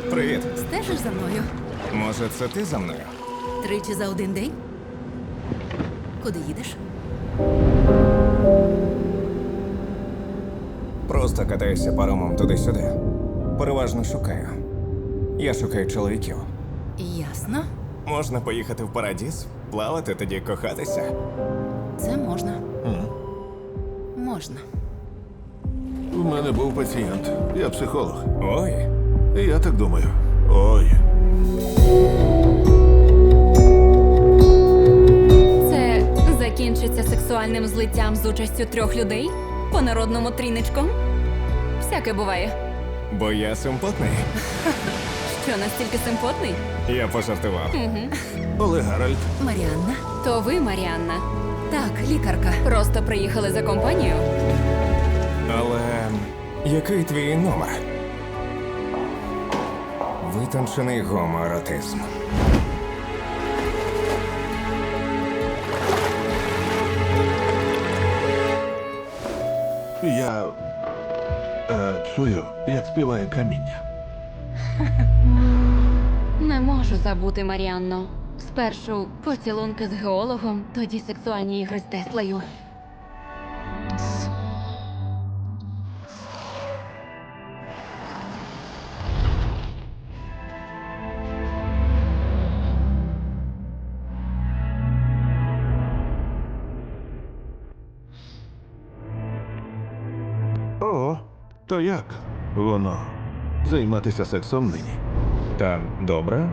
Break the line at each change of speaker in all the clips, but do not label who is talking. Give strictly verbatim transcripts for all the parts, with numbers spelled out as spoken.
Привіт.
Стежиш за мною?
Може, це ти за мною?
Тричі за один день? Куди їдеш?
Просто катаюся паромом туди-сюди. Переважно шукаю. Я шукаю чоловіків.
Ясно.
Можна поїхати в Парадіз, плавати, тоді кохатися.
Це можна. Можна.
У мене був пацієнт. Я психолог.
Ой,
І я так думаю. Ой.
Це закінчиться сексуальним злиттям з участю трьох людей? По-народному тріничком? Всяке буває.
бо я симпотний.
Що, настільки симпотний?
Я пожартував.
Олег Гаральд.
Маріанна?
То ви, Маріанна,
Так, лікарка.
просто приїхали за компанію?
Але який твій номер? Витончений гомоеротизм.
Я е, чую, як співає каміння.
Не можу забути, Маріанно. Спершу поцілунки з геологом, тоді сексуальні ігри з Теслою.
О, то як воно займатися сексом нині?
Та добре.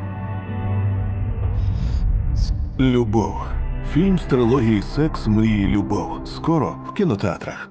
Любов. Фільм з трилогії Секс, мрії, любов. Скоро в кінотеатрах.